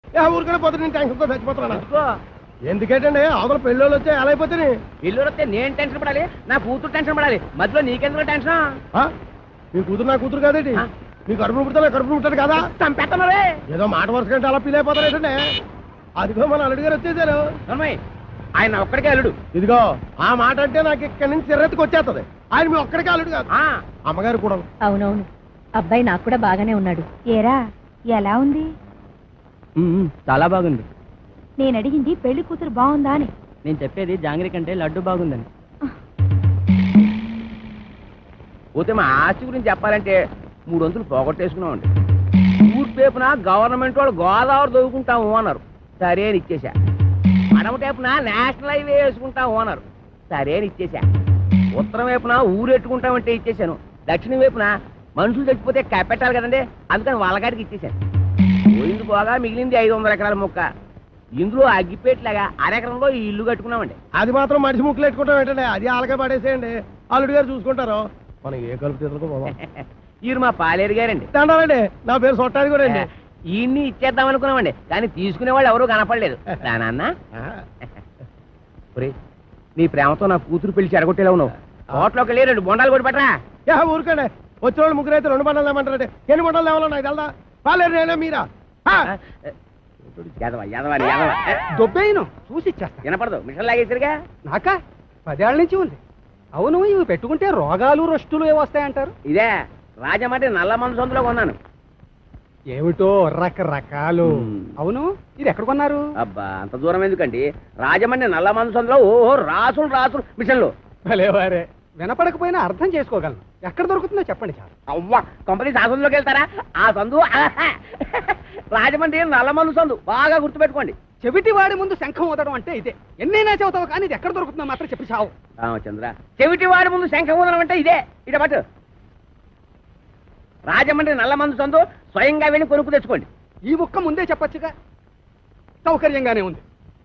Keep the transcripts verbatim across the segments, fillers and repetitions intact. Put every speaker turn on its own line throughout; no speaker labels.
ఊరికనే పోతే నేను టెన్షన్తో చచ్చిపోతున్నా. ఎందుకేటండి అవతల పెళ్ళోళ్ళు వచ్చే ఎలా అయిపోతే
పెళ్ళోళ్ళు వస్తే నేను టెన్షన్ పడాలి, నా కూతురు టెన్షన్ పడాలి, మధ్యలో నీకెందుకు టెన్షన్?
మీ కూతురు నా కూతురు కాదేంటి? మీ కడుపును పుడతా కడుపును పుట్టాడు కదా,
చంపేస్తున్నారే.
ఏదో మాట వరుస కంటే అలా ఫీల్ అయిపోతారేటండి. అదిగో మన అల్లుడు గారు వచ్చేసారు.
ఆయన ఒక్కడికే అల్లుడు.
ఇదిగో ఆ మాట అంటే నాకు ఇక్కడి నుంచి చిరెత్తుకు వచ్చేస్తుంది. ఆయన మీ ఒక్కడికే అల్లుడు కాదు, అమ్మగారు కూడా.
అవునవును, అబ్బాయి నాకు కూడా బాగానే ఉన్నాడు. ఏరా ఎలా ఉంది?
చాలా బాగుంది.
నేను అడిగింది పెళ్లి కూతురు బాగుందా అని.
నేను చెప్పేది జాంగ్రీ కంటే లడ్డు బాగుందని. పోతే మా ఆస్తి గురించి చెప్పాలంటే మూడు వంతులు పోగొట్టేసుకున్నామండి. ఊరు పేపున గవర్నమెంట్ వాళ్ళు గోదావరి దొరుకుంటాము అన్నారు, సరే అని ఇచ్చేసా. మడమ టేపున నేషనల్ హైవే వేసుకుంటాము అన్నారు, సరే అని ఇచ్చేసా. ఉత్తరం వైపున ఊరు ఎట్టుకుంటామంటే ఇచ్చేసాను. దక్షిణం వైపున మనుషులు చచ్చిపోతే కప్పెట్టాలి కదండి, అందుకని వాళ్ళగాడికి ఇచ్చేసాను. పోయింది పోగా మిగిలింది ఐదు వందల ఎకరాల మొక్క. ఇందులో అగ్గిపేట్లాగా అరెకరంలో ఈ ఇల్లు కట్టుకున్నామండి.
అది మాత్రం మనిషి ముక్కులు ఎట్టుకుంటాం ఏంటండి, అది ఆలకే పడేసేయండి, అల్లుడు గారు చూసుకుంటారు. మనం ఏ కలుపు తీసుకో.
ఈయన మా పాలేరు గారండి.
దండాలండి, నా పేరు సొట్టాది కూడా అండి.
ఈయన్ని ఇచ్చేద్దాం అనుకున్నామండి, కానీ తీసుకునే వాళ్ళు ఎవరూ కనపడలేదు. నాన్న నీ ప్రేమతో నా కూతురు పిలిచి అడగొట్టేలా ఉన్నావు. హోటల్లోకి వెళ్ళి రెండు బొండాలు కూడా పెట్టరా.
ఊరుకోండి, వచ్చిన వాళ్ళు ముగ్గురు అయితే రెండు బండలు లేమంటారంటే ఎన్ని బండలు లేవాలో నాకు తెలదా? పాలేరు నేనే మీరా?
దొబ్బేయను చూసి ఇచ్చేస్తా.
వినపడదు, మిషన్ లాగేసరిగా.
నాకా పదేళ్ల నుంచి ఉంది. అవును, ఇవి పెట్టుకుంటే రోగాలు రొస్టులు ఏ వస్తాయంటారు?
ఇదే రాజమండ్రి నల్ల మందు సందులో కొన్నాను.
ఏమిటో రకరకాలు. అవును, ఇది ఎక్కడ కొన్నారు?
అబ్బా అంత దూరం ఎందుకండి, రాజమండ్రి నల్ల మందు సందులో ఓహో రాసులు రాసులు మిషన్లు.
భలేవారే, వినపడకపోయినా అర్థం చేసుకోగలను. ఎక్కడ దొరుకుతుందో చెప్పండి చాలు.
అవ్వా కంపెనీ ఆ సందులోకి వెళ్తారా? ఆ సందు రాజమండ్రి నల్ల మందు సందు, బాగా గుర్తుపెట్టుకోండి.
చెవిటి వాడి ముందు శంఖం ఊదడం అంటే ఇదే. ఎన్నైనా చెబుతావు కానీ ఇది ఎక్కడ దొరుకుతుందో మాత్రం చెప్పి చావు.
రామచంద్ర, చెవిటి వాడి ముందు శంఖం ఊదడం అంటే ఇదే. ఇట పట్టు, రాజమండ్రి నల్ల మందు సందు, స్వయంగా వెళ్ళి కొనుక్కు తెచ్చుకోండి.
ఈ ముక్క ముందే చెప్పొచ్చుగా, సౌకర్యంగానే ఉంది.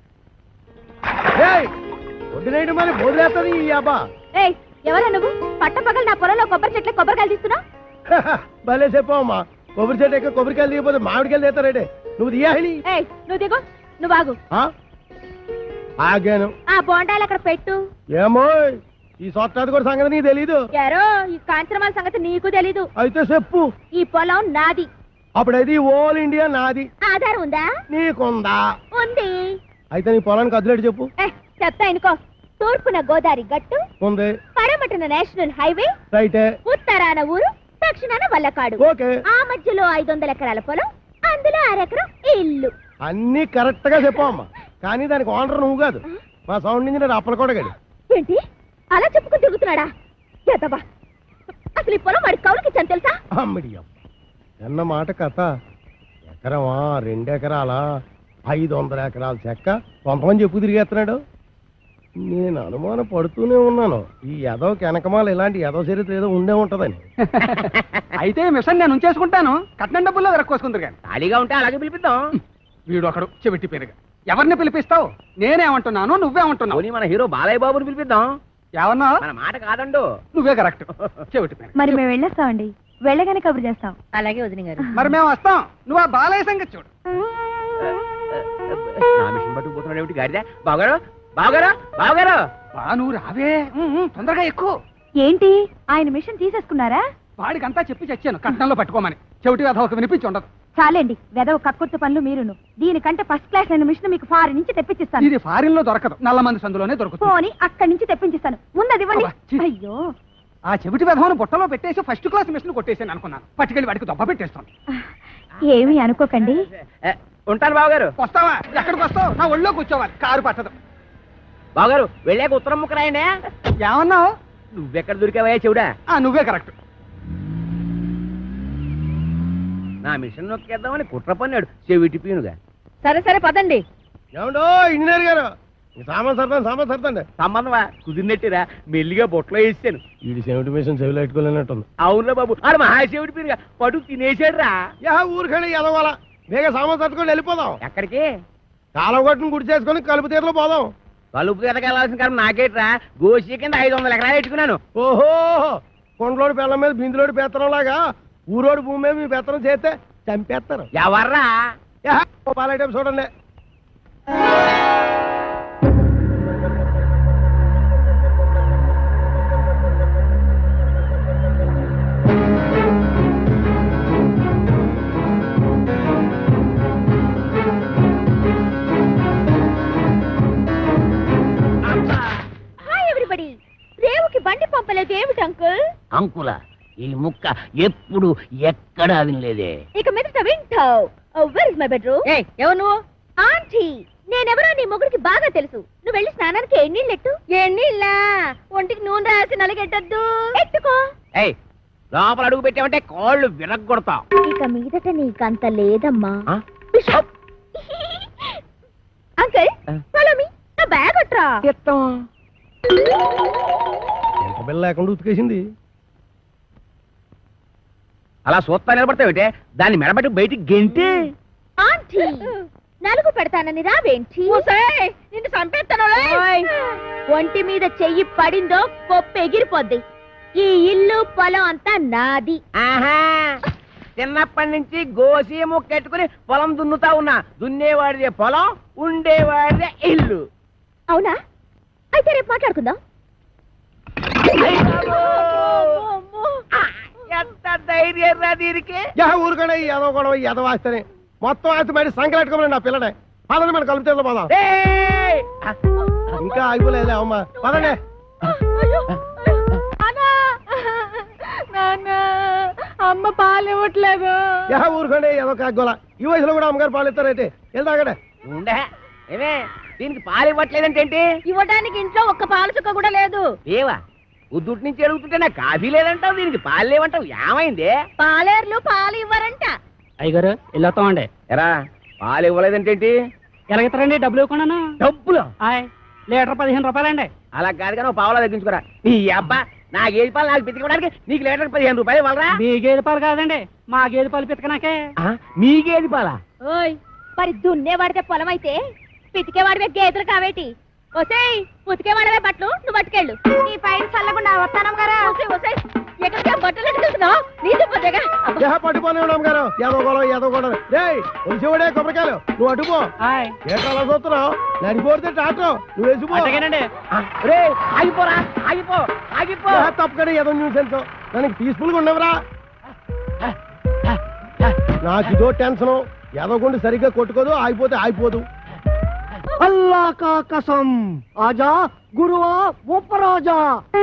వదిలేయడం మరి బోధలేస్తుంది ఈ అబ్బా.
ఎవరా నువ్వు? పట్టపగలు నా పొలంలో కొబ్బరి చెట్ల కొబ్బరికాయలు తీస్తున్నా?
భలే చెప్పమ్మా, కొబ్బరి చెట్టు ఎక్క కొబ్బరికాయలు దిగిపోతే మామిడికాయలు తీస్తారేటే. నువ్వు దియాలి.
నువ్వు దిగు, నువ్వు ఆగు.
ఆగాను.
ఆ బోండాలు అక్కడ పెట్టు.
ఏమో ఈ సొట్టాది కూడా సంగతి నీకు తెలీదు.
యారో ఈ కాంచనమాల సంగతి నీకు తెలీదు.
అయితే చెప్పు.
ఈ పొలం నాది.
అప్పుడైతే ఓల్ ఇండియా నాది.
ఆధారం ఉందా?
నీకుందా?
ఉంది.
అయితే నీ పొలానికి అదిలేడు చెప్పు.
చెప్తా ఇనుకో. తూర్పున గోదావరి గట్టు ఉంది, పడమటన నేషనల్ హైవే రైట్, ఉత్తరాన ఊరు, దక్షిణాన వల్లకాడు. ఓకే. ఆ మధ్యలో ఐదు వందల ఎకరాల పొలం, అందులో అరెకరం ఇల్లు.
అన్ని కరెక్ట్ గా చెప్పమ్మా, కానీ దానికి ఓనర్ నువ్వు కాదు, మా సౌండ్ ఇంజనీర్ అప్పల కూడా గడి.
ఏంటి అలా చెప్పుకుని తిరుగుతున్నాడా? ఎదవా, అసలు ఈ పొలం వాడి కౌలుకి ఇచ్చాను తెలుసా?
అమ్మడియం అన్న మాట కథ. ఎకరమా, రెండెకరాల, ఐదు వందల ఎకరాల చెక్క కొంతమంది చెప్పు తిరిగేస్తున్నాడు. నేను అనుమానం పడుతూనే ఉన్నాను, ఈ ఎదవ వెనకమాల ఇలాంటి ఎదవ చరిత్ర ఏదో ఉండే ఉంటదని.
అయితే మిషన్ నేను ఉంచేసుకుంటాను, కట్నం డబ్బుల్లో వెరక్కోసుకుందరు కానీ.
ఖాళీగా ఉంటే అలాగే పిలిపిద్దాం.
వీడు ఒకడు చెవిటి పేరుగా. ఎవరిని పిలిపిస్తావు? నేనేమంటున్నాను, నువ్వేమంటున్నావు?
మన హీరో బాలయ్య బాబుని పిలిపిద్దాం.
ఏమన్నా?
మన మాట కాదండు.
నువ్వే కరెక్ట్. చెవిటి పేరు.
మరి మేము వెళ్ళేస్తామండి, వెళ్ళగానే కబురు చేస్తాం. అలాగే వదిన గారు.
మరి మేము వస్తాం, నువ్వు ఆ బాలయ్య సంగతి చూడు.
నా మిషన్ పట్టుకుపోతున్నాడు ఏమిటి గాడిద? బావగారు, బావగారు, బావగారు.
బా నువ్వు రావే, తొందరగా ఎక్కువ.
ఏంటి ఆయన మిషన్ తీసేసుకున్నారా?
వాడికంతా చెప్పి చచ్చాను కట్నంలో పట్టుకోమని. చెవిటి వెధ ఒక వినిపించి ఉండదు.
చాలండి, వెదవ కక్కుర్తి పనులు మీరును. దీనికంటే ఫస్ట్ క్లాస్ అయిన మిషన్ మీకు ఫారిన్ నుంచి తెప్పించిస్తాను.
ఇది ఫారిన్ లో దొరకదు, నల్ల మంది సందులోనే దొరుకుతుంది.
పోనీ అక్కడి నుంచి తెప్పించిస్తాను, ముందు ఇవ్వండి. అయ్యో,
ఆ చెవిటి వెధవను బుట్టలో పెట్టేసి ఫస్ట్ క్లాస్ మిషన్ కొట్టేసాను అనుకున్నాను. పట్టుకెళ్ళి వాడికి దొబ్బ పెట్టేస్తాను.
ఏమీ అనుకోకండి.
ఉంటాను బావగారు.
వస్తావా? ఎక్కడికి వస్తావు? నా ఒళ్ళో కూర్చోవాలి, కారు పట్టదు.
బావగారు వెళ్ళాక ఉత్తరం ముక్క రాయండి.
ఏమన్నావు?
నువ్వెక్కడ దొరికావయ్యా చెవుడా?
నువ్వే కరెక్ట్.
నా మిషన్ నొక్కేద్దామని కుట్ర పన్నాడు చెవిటి పీనుగా.
సరే సరే పదండి.
ఏమండో ఇంజనీర్ గారు, సామాన్ సర్దాను సామాన్ సర్దండి.
సంబంధమా కుదిరినట్టురా, మెల్లిగా బొట్లో వేసాను.
వీడి చెవిటి మిషన్ చెవిలో పెట్టుకోలేనట్టుంది.
అవునురా బాబు, ఆడు మహాశివుడి పీనుగా పడు తినేసాడు రా.
యా ఊరికండి ఎదవాల, వేగ సామాన్ సర్దుకొని వెళ్ళిపోదాం.
ఎక్కడికి?
కాలం కొట్టుని గుడి చేసుకొని కలుపు తీరలో పోదాం.
కలుపు తీరకెళ్లాల్సిన కాలం నాకేట్రా, గోసి కింద ఐదు వందల ఎకరాలు పెట్టుకున్నాను.
ఓహో, కొండలోడి పిల్లల మీద బిందులోడి పెత్తనం లాగా ఊరోడి భూమి మీద మీ పెత్తనం చేస్తే చంపేస్తారు.
ఎవర్రా?
యా, ఓ పాల ఐటమ్ చూడండి.
Hi everybody. రేవుకి బండి పంపలేదు ఏమిటి అంకుల్?
అంకుల ఈ ముక్క ఎప్పుడు ఎక్కడా వినలేదే.
ఇక మీదట వింటావు. Where is my bedroom? ఎవరు నువ్వు? ఆంటీ. నేనెవరో నీ మొగుడికి బాగా తెలుసు. నువ్వు వెళ్ళి స్నానానికి ఎన్నీళ్ళెట్టు. ఎన్నీళ్ళ? ఒంటికి నూనె రాసి నలగెట్టద్దు. ఎట్టుకో.
ఏయ్ లోపల అడుగు పెట్టామంటే కాళ్ళు విరగొడతాం.
ఇక మీదట నీకంత లేదమ్మా.
ఆ?
బిషప్. Uncle follow me. నా బ్యాగ్ అట్రా.
ఎంత బిల్ల లేకుండా ఉతికేసింది.
అలా సూత్తా నిలబడతావుటే దాన్ని మెడబెట్టి బయటికి గెంటి.
ఆంటీ నలుగు పెడతానని రావేంటి? నిన్ను చంపేస్తాను. ఒంటి మీద చెయ్యి పడిందో కొప్పు ఎగిరిపోద్ది. ఈ ఇల్లు పొలం అంతా నాది.
ఆహా చిన్నప్పటి నుంచి గోసి ముక్కెట్టుకుని పొలం దున్నుతా ఉన్నా. దున్నేవాడిదే పొలం, ఉండేవాడిదే ఇల్లు.
అవునా? అయితే రేపు మాట్లాడుకుందాం.
ఎంత ధైర్యం రా దీనికి.
యా ఊరుకనే ఎదవ గొడవ ఎదవ ఆస్తేనే మొత్తం ఆస్తి బయట సంకలెట్టుకోమని నా పిల్లనే పదండి మన కలుపుతే పోదాం.
ఏయ్!
ఇంకా ఆగిపోలేదు అమ్మా పదండి.
అమ్మ పాలు ఇవ్వట్లేదు.
యా ఊరుకోండి ఎదవ కాగోల. ఈ వయసులో కూడా అమ్మగారు పాలు ఇస్తారైతే వెళ్తాగడే.
ఉండే ఏమే దీనికి పాలు ఇవ్వట్లేదంటే ఏంటి?
ఇవ్వడానికి ఇంట్లో ఒక్క పాలు చుక్క కూడా లేదు.
ఏవా ఉద్దుటి నుంచి అడుగుతుంటే నాకు కాఫీ లేదంటావు, దీనికి పాలు లేవంటావు. ఏమైంది?
పాలేర్లు పాలు ఇవ్వరంట.
అయ్యగారు వెళ్ళొస్తామండి.
ఎరా పాలు ఇవ్వలేదంటే ఏంటి?
ఎలాగెత్తారండి డబ్బులు ఇవ్వకుండా?
డబ్బులు
లీటర్ పదిహేను రూపాయలండి.
అలా కాదు కానీ పావులా తగ్గించుకోరా. నీ అబ్బా నా గేదె పాలు నాకు పితికడానికి నీకు లీటర్ పదిహేను రూపాయలు ఇవ్వాలరా?
మీ గేదె పాలు కాదండి మా గేదె పాలు పితకనాకే.
మీ గేదె పాలా?
ఓయ్ మరి దున్నేవాడితే పొలం అయితే పితికేవాడివే గేదెలు కావేటి? ఒసేయ్ ఉతికేవాడవే బట్టలు నువ్వు పట్టుకెళ్ళు. నీ పైన చల్లకుండా వస్తానం కదా. ఎక్కడికి బట్టలు ఎట్టుకుంటున్నావు? నీది పొద్దుగా
యా పట్టుకోనే ఉన్నాం గారు ఎదవ గొడవ ఎదవ గొడవ. రే ఒలిసేవాడే కొబ్బరికాయలు నువ్వు అటుపో. ఏంటో అలా చూస్తున్నావు? నడిపోతే టాటో నువ్వు వేసిపో.
రే ఆగిపోరా ఆగిపో ఆగిపో.
తప్పకనే ఏదో న్యూస్ ఎంతో దానికి పీస్ఫుల్ గా ఉండవురా. నాకు ఇదో టెన్షన్. ఎదవకుండా సరిగ్గా కొట్టుకోదు, ఆగిపోతే ఆగిపోదు. అల్లా కా కసం ఆజా గురువా ఉపరాజా.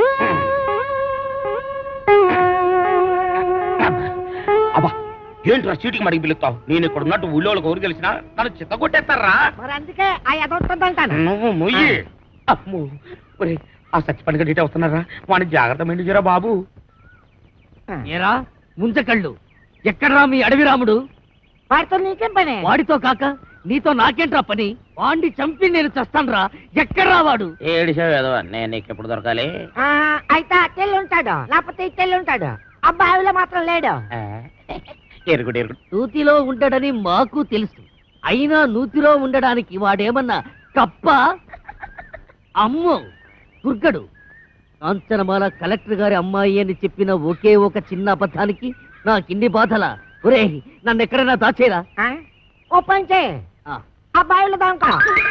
అబ్బా ఏంట్రా చీటికి మడికి పిలుస్తావు? నేను ఇక్కడ ఉన్నట్టు ఊళ్ళోకి ఊరు గెలిచినా నన్ను చిత్త కొట్టేస్తారా?
మరి అందుకే ఆ ఎదవుతుందంటాను.
నువ్వు మొయ్యి. అమ్మో ఒరే ఆ సచ్చి పని గడిటే వస్తున్నారా? వాడిని జాగ్రత్త మెండిజరా బాబు.
ఏరా ముంచకళ్ళు ఎక్కడ్రా మీ అడవి రాముడు?
వాడితో నీకేం పని?
వాడితో కాక నీతో నాకేంట్రా పని? వాడిని చంపి నేను చస్తాన్రా. ఎక్కడ్రా వాడు?
ఏడిసావు ఏదో నేను నీకు ఎప్పుడు దొరకాలి?
అయితే అట్టెళ్ళి ఉంటాడు, లేకపోతే ఇట్టెళ్ళి ఉంటాడు. అబ్బాయిలో మాత్రం లేడు.
ఎరుగుడు ఎరుగుడు
నూతిలో ఉండడని మాకు తెలుసు. అయినా నూతిలో ఉండడానికి వాడేమన్నా కప్ప? అమ్మో దుర్గడు. కాంచనమాల కలెక్టర్ గారి అమ్మాయి అని చెప్పిన ఒకే ఒక చిన్న అబద్ధానికి నాకిన్ని బాధల. ఒరే నన్ను ఎక్కడైనా దాచేరా.
ఓ పని చేయి, అబ్బాయిలో దాంకా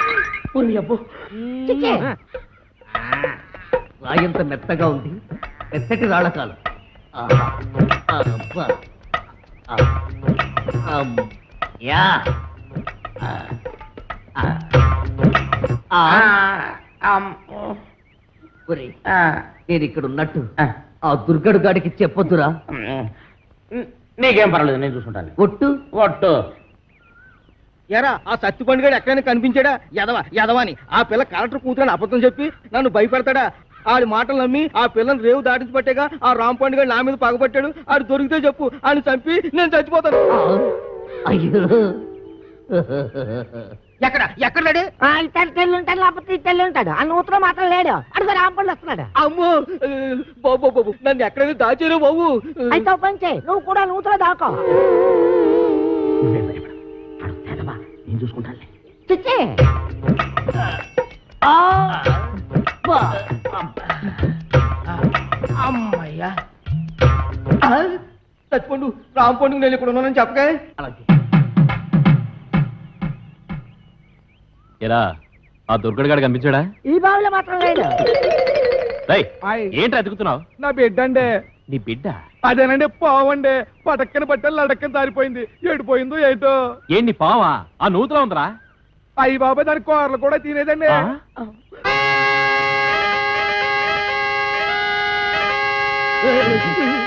రాయంత మెత్తగా ఉంది. మెత్తటి రాళ్ళకాలు. యా ఒరే నేను ఇక్కడ ఉన్నట్టు ఆ దుర్గడు గాడికి చెప్పొద్దురా.
నీకేం పర్వాలేదు నేను చూసుకుంటాను.
ఒట్టు
ఒట్టు.
ఎరా ఆ సత్తి పండుగ ఎక్కడైనా కనిపించాడా? ఎదవ ఎదవని ఆ పిల్ల కలెక్టర్ కూతురని అబద్ధం చెప్పి నన్ను భయపెడతాడా? ఆడి మాటలు నమ్మి ఆ పిల్లని రేవు దాటించి పట్టేగా ఆ రామ్ పండుగ నా మీద పగబట్టాడు. ఆడు దొరికితే చెప్పు, ఆడిని చంపి నేను చచ్చిపోతాను.
అయ్యో
ఎక్కడ ఎక్కడ లేడు?
ఇట్టెళ్ళి ఉంటాడు, లేకపోతే ఇట్టెళ్ళి ఉంటాడు. ఆ నూతులో మాత్రం లేడు. అడుగు రాంపండు వస్తున్నాడు.
అమ్మో బాబు బాబు నన్ను ఎక్కడైనా దాచారు బాబు.
అయితే ఓ పని చేయి, నువ్వు కూడా నూతులో దాకో.
నేను చూసుకుంటాను.
చిచ్చి
అమ్మయ్యా
చచ్చిపోండు రామ్ పండుగ నేను ఇక్కడ ఉన్నానని చెప్పగా.
అలాగే
ఎరా ఆ దుర్గడు గాడు కనిపించాడా?
ఈ బావిలో మాత్రం లేదు.
ఏంటి అతుకుతున్నావు?
నా బిడ్డ అండి.
నీ బిడ్డ?
అదేనండి పావండి. పటక్కని పట్టాలి లడక్కని దారిపోయింది. ఏడిపోయిందో ఏటో.
ఏంటి పావా? ఆ నూతులో ఉందరా?
అయ్యి బాబా దాని కూరలు కూడా తినేదండి.
ఆ?